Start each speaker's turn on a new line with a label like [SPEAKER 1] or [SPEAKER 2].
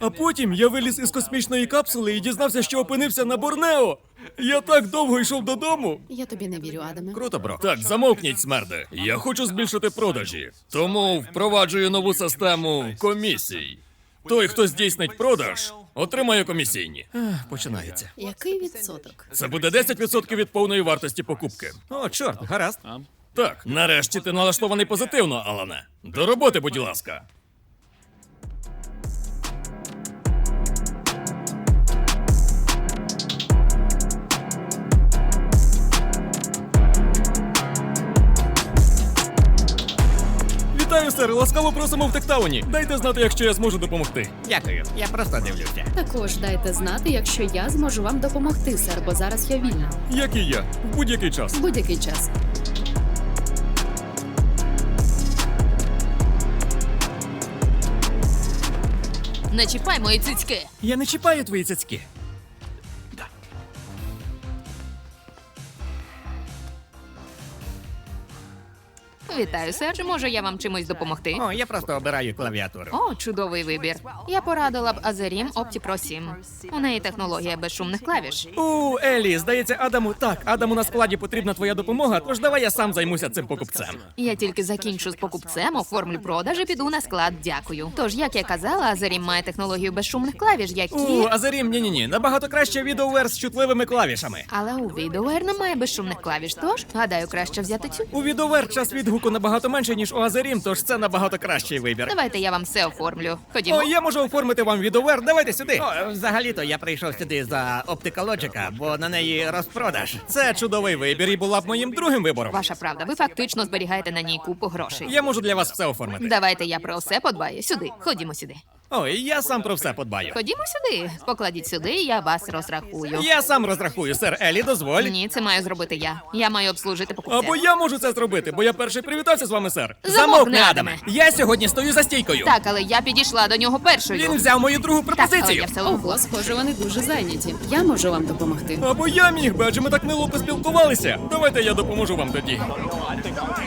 [SPEAKER 1] А потім я виліз із космічної капсули і дізнався, що опинився на Борнео. Я так довго йшов додому.
[SPEAKER 2] Я тобі не вірю, Адаме.
[SPEAKER 1] Круто, бро. Так, замовкніть, смерди. Я хочу збільшити продажі, тому впроваджую нову систему комісій. Той, хто здійснить продаж, отримає комісійні. Починається.
[SPEAKER 2] Який відсоток?
[SPEAKER 1] Це буде 10% від повної вартості покупки.
[SPEAKER 3] О, чорт, гаразд.
[SPEAKER 1] Так, нарешті ти налаштований позитивно, Алане. До роботи, будь ласка. Вітаю, сер! Ласкаво просимо в Тектауні. Дайте знати, якщо я зможу допомогти.
[SPEAKER 3] Дякую, я просто дивлюся.
[SPEAKER 2] Також дайте знати, якщо я зможу вам допомогти, сер, бо зараз я вільна.
[SPEAKER 1] Як і я, в будь-який час.
[SPEAKER 2] В будь-який час.
[SPEAKER 4] Не чіпай мої цицьки.
[SPEAKER 1] Я не чіпаю твої цяцьки.
[SPEAKER 4] Вітаю, сер. Чи може я вам чимось допомогти?
[SPEAKER 3] О, я просто обираю клавіатуру.
[SPEAKER 4] О, чудовий вибір. Я порадила б Azerim Opti Pro 7. У неї технологія безшумних клавіш.
[SPEAKER 1] Елі, здається, Адаму на складі потрібна твоя допомога, тож давай я сам займуся цим покупцем.
[SPEAKER 4] Я тільки закінчу з покупцем, оформлю продаж і піду на склад. Дякую. Тож, як я казала, Azerim має технологію безшумних клавіш, які...
[SPEAKER 1] Азарім, ні-ні-ні, набагато краще відеовер з чутливими клавішами.
[SPEAKER 4] Але у VideoWare немає безшумних клавіш, тож, гадаю, краще взяти цю.
[SPEAKER 1] У відеовер час відгуку набагато менше, ніж у Азарім, тож це набагато кращий вибір.
[SPEAKER 4] Давайте я вам все оформлю. Ходімо.
[SPEAKER 1] О, я можу оформити вам відеовер, давайте сюди.
[SPEAKER 3] О, взагалі-то я прийшов сюди за Opticalogica, бо на неї розпродаж.
[SPEAKER 1] Це чудовий вибір і була б моїм другим вибором.
[SPEAKER 4] Ваша правда, ви фактично зберігаєте на ній купу грошей.
[SPEAKER 1] Я можу для вас все оформити.
[SPEAKER 4] Давайте я про все подбаю. Сюди. Ходімо сюди.
[SPEAKER 1] Ой, я сам про все подбаю.
[SPEAKER 4] Ходімо сюди. Покладіть сюди, і я вас розрахую.
[SPEAKER 1] Я сам розрахую, сер Елі, дозволь.
[SPEAKER 4] Ні, це маю зробити я. Я маю обслужити покупця.
[SPEAKER 1] Або я можу це зробити, бо я перший привітався з вами, сер.
[SPEAKER 4] Замовкни, Адаме.
[SPEAKER 1] Я сьогодні стою за стійкою.
[SPEAKER 4] Так, але я підійшла до нього першою.
[SPEAKER 1] Він взяв мою другу
[SPEAKER 4] Так, але
[SPEAKER 1] пропозицію.
[SPEAKER 4] я все
[SPEAKER 2] Ого, схоже, вони дуже зайняті. Я можу вам допомогти.
[SPEAKER 1] Або я міг би, адже ми так мило поспілкувалися. Давайте я допоможу вам тоді.